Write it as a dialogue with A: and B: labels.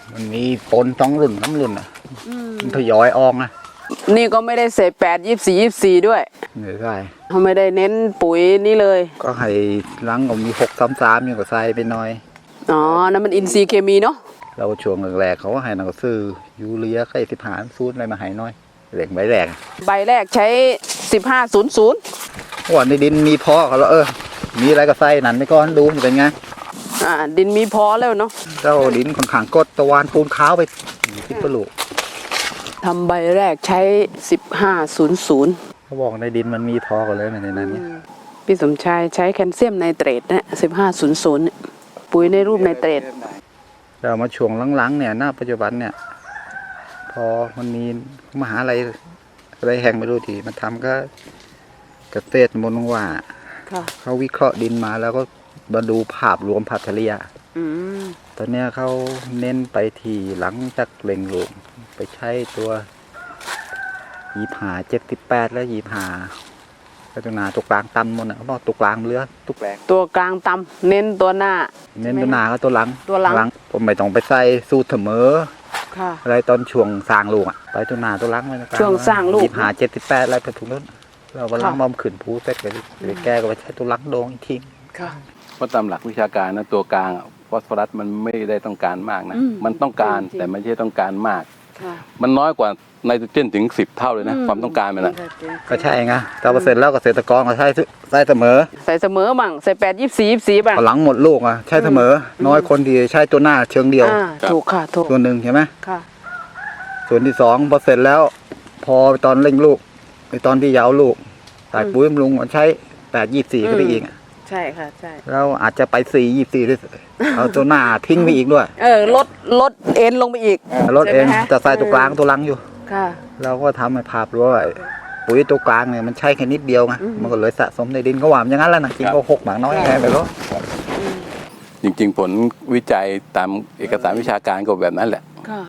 A: มันมีปน2 รุ่น3 รุ่นอ่ะมันทยอยออกนะ
B: นี่ก็ไม่ได้เสพ8 24 ด้วย
A: ไม่ใช่
B: เขาไม่ได้เน้นปุ๋ยนี่เลย
A: ก็ให้หลังก็มี633อยู่ก็ใส่ไปหน่อย
B: อ๋อนั่นมันอินทรีย์เคมีเนาะ
A: เราช่วงแรกๆเขาก็ให้นักซื้อยูเรียไข่15ซูนอะไรมาให้น้อยเหล็กใบแรก
B: ใบแรกใช้1500
A: วันในดินมีพอเขาแล้วมีอะไรก็ใส่นั่นไปก่อนดูมันเป็นไง
B: ดินมีพอแล้วเนาะ
A: เจ้าดินค่อนข้างกดตะวันปูนขาวไปที่ปลูก
B: ทำใบแรกใช้1500
A: เขาบอกในดินมันมีพอกันเลยในนั้นเนี่ย
B: พี่สมชายใช้แคลเซียมไนเตรตนะ1500ปุ๋ยในรูปไนเตรต
A: เรามาช่วงหลังๆเนี่ยณปัจจุบันเนี่ยพอมันมีมหาลัยอะไรแห่งไม่รู้ที่มันทำก็เกษตรมนว่าเขาวิเคราะห์ดินมาแล้วก็มาดูภาพรวมภาพเฉลี่ยตอนนี้เขาเน้นไปที่หลังจากเล็งลูกไปใช้ตัว75 78และ25ก็ตัวหนาตัวกลางต่ำหมดนะเขาบอกตัวกลางเรือตัวแปลง
B: ตัวกลางต่ำเน้นตัวหน้า
A: เน้นตัวหน้าก็ตัวหลังผมไม่ต้องไปใส่สูตรเสมออะไรตอนช่วงสร้างลูกไปตัวหน้าตัวหลังไป
B: ช่วงสร้างลูก
A: 75 78อะไรไปถูกนู้นเราก็ล้างมอมขืนผูเสร็จเลยแก้ก็ไปใช้ตัวหลังโดงอีกที
C: เพราะตามหลักวิชาการนะตัวกลางฟอสฟอรัสมันไม่ได้ต้องการมากนะมันต้องการแต่ไม่ใช่ต้องการมากมันน้อยกว่าไนโตรเจนถึง10 เท่าเลยนะความต้องการมันนะ
A: ก็ใช่ไงแต่%แล้วเกษตรกรก็ใช้เสมอ
B: มั่งใส่8 24 บ้าง
A: หลังหมดลูกใช้เสมอน้อยคนที่ใช้ตัวหน้าเชิงเดียว
B: ถูกค่ะถูก
A: ส่วนหนึ่งใช่ไหม
B: ค่ะ
A: ส่วนที่2%แล้วพอตอนเร่งลูกในตอนที่ยาวลูกใส่ปุ๋ยบำรุงใช้8 24ก็ได้อีก
B: ใช่ค่ะใช่
A: เราอาจจะไป4 24ด้วยเอาตัวหน้าทิ้งไปอีกด้วย
B: ลดเอ็นลงไปอีก
A: ลดเอ็นจะใส่ตัวกลางตัวหลังอยู่
B: ค่ะ
A: เราก็ทำให้ภาพรู้ว่าปุ๋ยตัวกลางเนี่ยมันใช้แค่นิดเดียวไงมันก็เลยสะสมในดินก็หวานอย่างนั้นแหละนะจริงก็6 หมากน้อยไงไปแล้ว
C: จริงๆผลวิจัยตามเอกสารวิชาการก็แบบนั้นแหละ